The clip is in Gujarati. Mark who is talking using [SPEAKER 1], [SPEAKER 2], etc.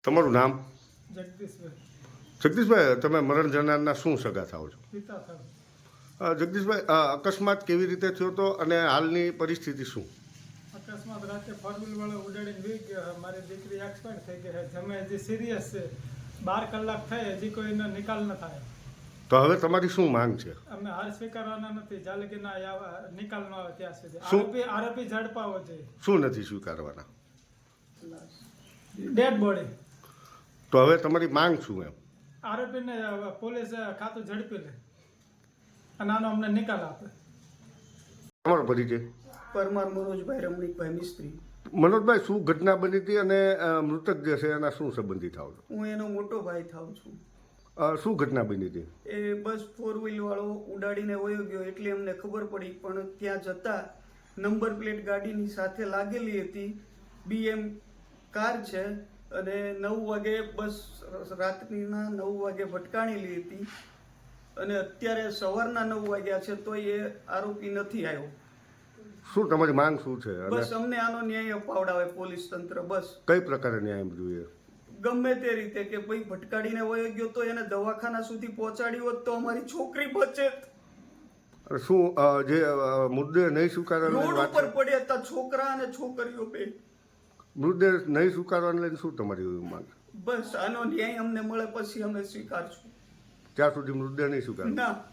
[SPEAKER 1] તમારું નામ?
[SPEAKER 2] જગદીશભાઈ.
[SPEAKER 1] જગદીશભાઈ, તમે મરણ જનારના શું સગા થાઓ છો?
[SPEAKER 2] પિતા થાવ.
[SPEAKER 1] જગદીશભાઈ, અકસ્માત કેવી રીતે થયો હતો અને હાલની પરિસ્થિતિ શું?
[SPEAKER 2] અકસ્માત રાતે ફોર વ્હીલ વાળો ઉડાડીને વી ગયો. મારી દીકરી એક્સપાયર થઈ ગઈ છે. જમે હજી સિરિયસ છે. 12 કલાક થઈ હજી કોઈનો નિકાલ ન થાય.
[SPEAKER 1] તો હવે તમારી શું માંગ છે?
[SPEAKER 2] અમે હાર સ્વીકારવાના નથી જ્યાં લગી નિકાલ ન આવે ત્યાં સુધી.
[SPEAKER 1] શું?
[SPEAKER 2] આરોપી ઝડપાવો જોઈએ.
[SPEAKER 1] શું નથી સ્વીકારવાના?
[SPEAKER 2] Dead body.
[SPEAKER 1] તો હવે તમારી માંગ શું એમ?
[SPEAKER 2] આરોપીને પોલીસ ખાતું ઝડપી લે અને આનો અમને નિકાલ આપે.
[SPEAKER 1] તમારો પરિચય?
[SPEAKER 3] પરમાર મનોજભાઈ રમણીકભાઈ મિસ્ત્રી.
[SPEAKER 1] મનોજભાઈ, શું ઘટના બની હતી અને મૃતક જે છે એના શું સંબંધી થાવ છો?
[SPEAKER 3] હું એનો મોટો ભાઈ થાઉં છું.
[SPEAKER 1] શું ઘટના બની હતી?
[SPEAKER 3] એ બસ ફોર વ્હીલ વાળો ઉડાડીને વયો ગયો એટલે અમને ખબર પડી, પણ ત્યાં જતા નંબર પ્લેટ ગાડીની સાથે લાગેલી હતી. BM કાર છે અને 9 વાગે બસ રાત્રિના 9 વાગે ભટકાણેલી હતી અને અત્યારે સવારના 9 વાગ્યા છે તો એ આરોપી નથી આવ્યો.
[SPEAKER 1] શું તમારી માંગ શું છે?
[SPEAKER 3] બસ અમને આનો ન્યાય અપાવડાવે પોલીસ તંત્ર. બસ
[SPEAKER 1] કઈ પ્રકારે ન્યાય જોઈએ?
[SPEAKER 3] ગમે તે રીતે કે ભાઈ ભટકાડીને વયો ગયો તો એને દવાખાના સુધી પહોંચાડી હોત તો અમારી છોકરી બચે.
[SPEAKER 1] શું જે મુદ્દે નહીં સ્વીકારવાની
[SPEAKER 3] રોડ
[SPEAKER 1] વાત
[SPEAKER 3] ઉપર
[SPEAKER 1] છે?
[SPEAKER 3] પડ્યા હતા છોકરા અને છોકરીઓ બે.
[SPEAKER 1] મુદ્દે નહીં સ્વીકારવાને લઈને શું તમારી માંગ?
[SPEAKER 3] બસ આનો ન્યાય અમને મળે પછી અમે સ્વીકારશું.
[SPEAKER 1] ત્યાં સુધી મૃતદેહ નહીં સ્વીકાર?
[SPEAKER 3] ના.